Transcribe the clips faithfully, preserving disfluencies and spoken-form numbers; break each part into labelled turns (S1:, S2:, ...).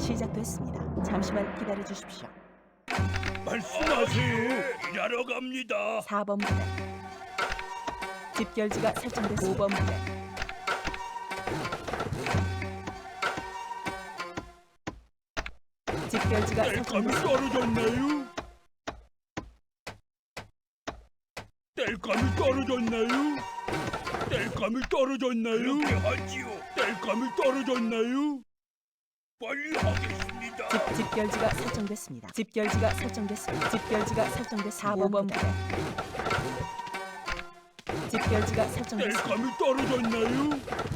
S1: 시작됐습니다. 잠시만 기다려 주십시오.
S2: 말씀하세요. 일하러 갑니다.
S1: 사 번 부대 집결지가 설정됐습니다. 오 번 부대 집결지가
S2: 땔감이
S1: 설정됐습니다.
S2: 떨어졌나요? 땔감이 떨어졌나요? 땔감이 떨어졌나요? 그렇게 하지요. 땔감이 떨어졌나요? 빨리 하겠습니다.
S1: 집, 집결지가 설정됐습니다. 집결지가 설정됐습니다. 집결지가 설정됐습니다. 사 번 부대 집결지가 설정됐습니다.
S2: 땔감이 떨어졌나요?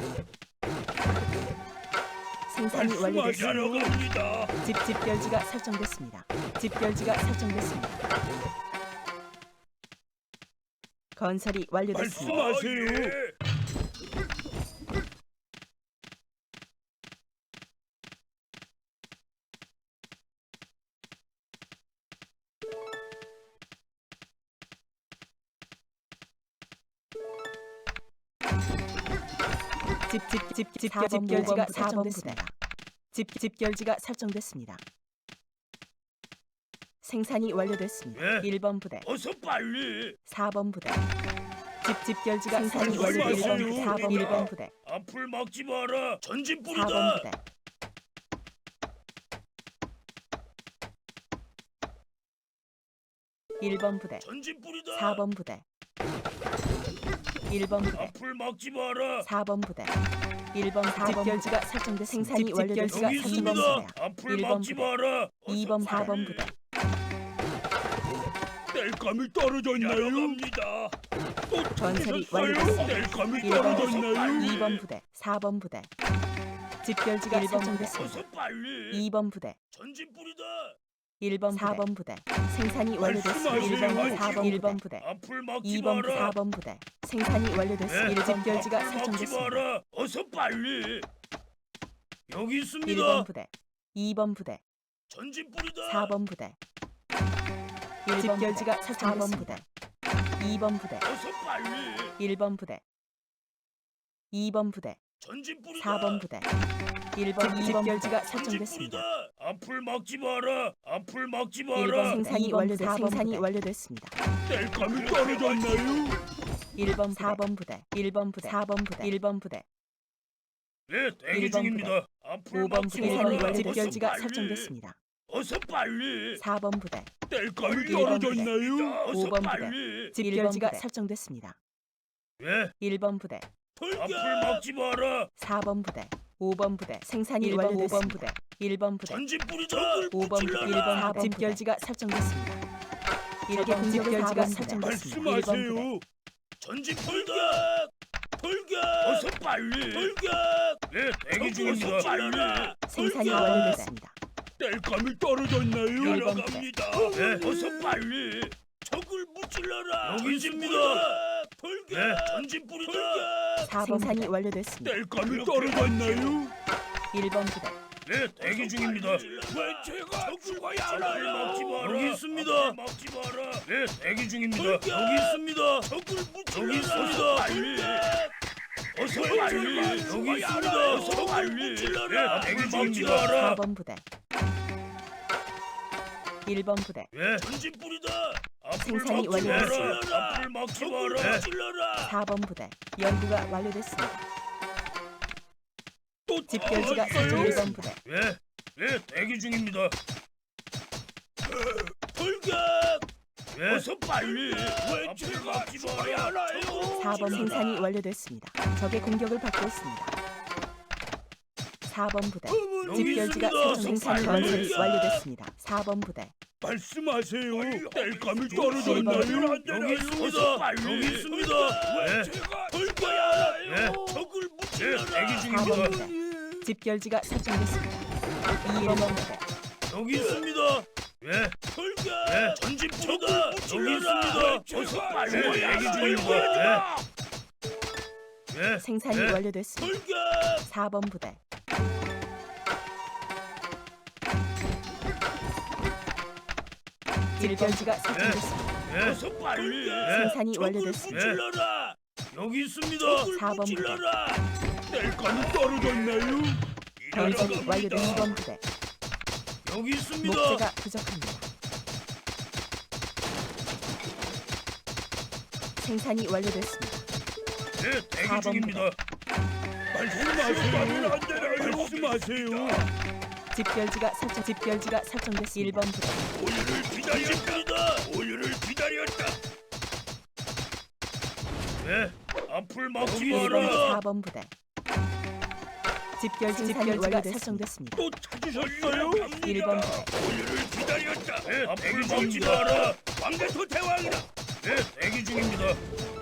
S1: 생산이
S2: 말씀하시러
S1: 완료됐습니다.
S2: 갑니다.
S1: 집 집결지가 설정됐습니다. 집결지가 설정됐습니다. 건설이 완료됐습니다.
S2: 말씀하세요. 예.
S1: 집집집 집결지가 설정됐습니다. 집 집결지가 설정됐습니다. 생산이 완료됐습니다.
S2: 예.
S1: 일 번 부대
S2: 어서 빨리.
S1: 사 번 부대 집 집결지가 생산이
S2: 말씀하세요.
S1: 완료됐습니다. 사 번 일 번 부대
S2: 앞을 막지 마라. 전진
S1: 사 번
S2: 뿌리다.
S1: 부대 일 번 부대
S2: 전진 뿌리다.
S1: 사 번 부대 일 번 부대
S2: 앞을 막지 마라.
S1: 사 번 부대 일 번 사 번 집결지가 설정돼 생산이 완료됐습니다.
S2: 여기
S1: 삼 번
S2: 있습니다.
S1: 부대
S2: 앞을
S1: 일 번
S2: 막지
S1: 부대
S2: 마라.
S1: 이 번 사 번 부대
S2: 땔감이 떨어졌나요? 갑니다. 또
S1: 건설이
S2: 찾으셨어요?
S1: 완료됐습니다.
S2: 땔감이
S1: 일 번
S2: 떨어졌나요?
S1: 이 번 부대 사 번 부대 집결지가 설정됐습니다.
S2: 어서 빨리.
S1: 이 번 부대
S2: 전진 뿌리다.
S1: 일 번 사 번 부대 생산이 완료됐습니다. 일 번
S2: 말씀하세요.
S1: 사 번 일 번 부대
S2: 앞을 막지
S1: 이 번
S2: 마라.
S1: 사 번 부대 생산이 완료됐습니다. 일 집결지가
S2: 앞을 막지
S1: 설정됐습니다.
S2: 마라. 어서 빨리. 여기 있습니다.
S1: 일 번 부대 이 번 부대
S2: 전진 뿌리다.
S1: 사 번 부대 집결지가 설정됐습니다. 이 번 부대
S2: 어서 빨리.
S1: 일 번 부대 이 번 부대
S2: 전진 뿌리다.
S1: 사 번 부대 일 번 이 번 집결지가
S2: 전진
S1: 설정됐습니다.
S2: 뿌리다. 앞을 막지 마라. 앞을 막지
S1: 일 번
S2: 마라.
S1: 생산이 완료됐 생산이 완료됐습니다.
S2: 땔감이 떨어졌나요?
S1: 일 번 사 번 부대 일 번 부대 사 번 부대 일 번 부대
S2: 네, 대기
S1: 일 번
S2: 중입니다. 앞을
S1: 오 번
S2: 막지
S1: 부대
S2: 마라.
S1: 생산이 완료
S2: 어서
S1: 집결지가
S2: 빨리.
S1: 설정됐습니다.
S2: 어서 빨리.
S1: 사 번 부대
S2: 땔감이
S1: 일 번 부대.
S2: 떨어졌나요? 어서
S1: 오 번 부대.
S2: 빨리.
S1: 집결지가 설정됐습니다.
S2: 예,
S1: 일 번 부대
S2: 앞을 막지 마라.
S1: 사 번 부대 오 번 부대 생산이
S2: 일 번,
S1: 완료됐습니다.
S2: 오 번
S1: 부대 일 번 부대
S2: 전진 뿌리다.
S1: 오 번 부대 일 번 사 번 집결지가 설정됐습니다. 일 번 집결지가 설정됐습니다. 일 번 부대
S2: 말씀하세요. 전진 뿌리다. 돌격. 어서 빨리. 돌격. 네, 대기 중입니다. 빨리.
S1: 생산이 완료됐습니다.
S2: 땔감이 떨어졌나요?
S1: 일 번
S2: 갑니다. 네, 어서 빨리. 적을 무찔러라. 여기 있습니다. 돌격. 네, 전진 뿌리다.
S1: 사 번 생산이 완료됐습니다.
S2: 땔감이 떨어졌나요?
S1: 일 번 부대
S2: 네, 대기 중입니다. 왜 제가 죽어야 하나요? 막지 마라. 여기 있습니다. 막지 마라. 네, 대기 중입니다. 여기 있습니다. 적을 무찔러라. 여기 있습니다. 빨리. 어서 빨리. 여기 있습니다. 어서 빨리. 네, 대기 중입니다.
S1: 사 번 부대 일 번 부대
S2: 예, 전진 뿌리다. 앞을
S1: 생산이
S2: 막지 마라.
S1: 완료됐습니다.
S2: 앞을 막지 마라. 찔러라.
S1: 사 번 부대 연구가 완료됐습니다.
S2: 또
S1: 집결지가
S2: 떨어졌어요?
S1: 설정 일 번 부대
S2: 예, 예, 대기 중입니다. 돌격. 예, 어서 빨리. 왜 제가 죽어야 하나요?
S1: 사 번 생산이 완료됐습니다. 적의 공격을 받고 있습니다. 사 번 부대
S2: 여기
S1: 집결지가
S2: 있습니다.
S1: 설정 생산이
S2: 빨리.
S1: 건설이 완료됐습니다. 사 번 부대
S2: 말씀하세요. 땔감이
S1: 일
S2: 떨어졌나요?
S1: 번.
S2: 여기 있습니다. 여기 있습니다. 왜 제가 돌겨야 하나요? 적을 무찔러라. 대기
S1: 사 번
S2: 중입니다.
S1: 부대 집결지가 설정됐습니다. 이 번 부대
S2: 여기 있습니다. 예, 돌격. 예, 전진 뿌리다. 여기 있습니다. 어서 빨리. 대기 중입니다. 예, 예,
S1: 생산이
S2: 예.
S1: 완료됐습니다.
S2: 돌격.
S1: 사 번 부대 집결지가 설정됐습니다.
S2: 예, 어서 빨리. 예,
S1: 생산이
S2: 적을
S1: 완료됐습니다.
S2: 무찔러라. 여기 있습니다.
S1: 사 번 부대.
S2: 찔러라. 땔감이 떨어졌나요?
S1: 건설이 완료된 이 번 부대
S2: 여기 있습니다.
S1: 목재가 부족합니다. 생산이 완료됐습니다.
S2: 네, 대기
S1: 사 번
S2: 중입니다. 말씀하세요. 안 되나요? 말씀하세요.
S1: 집결지가 설정 집결지가 설정됐습니다. 일 번 부대
S2: 오유를 기다렸다. 오유를 기다렸다. 네, 앞을 막지
S1: 일 번
S2: 마라.
S1: 사 번 부대 집결지 집결지가 설정됐습니다.
S2: 또 찾으셨어요?
S1: 일 번 부대
S2: 오유를 기다렸다. 네, 앞을 막지 마라. 왕대토 대왕이다. 네, 대기 중입니다.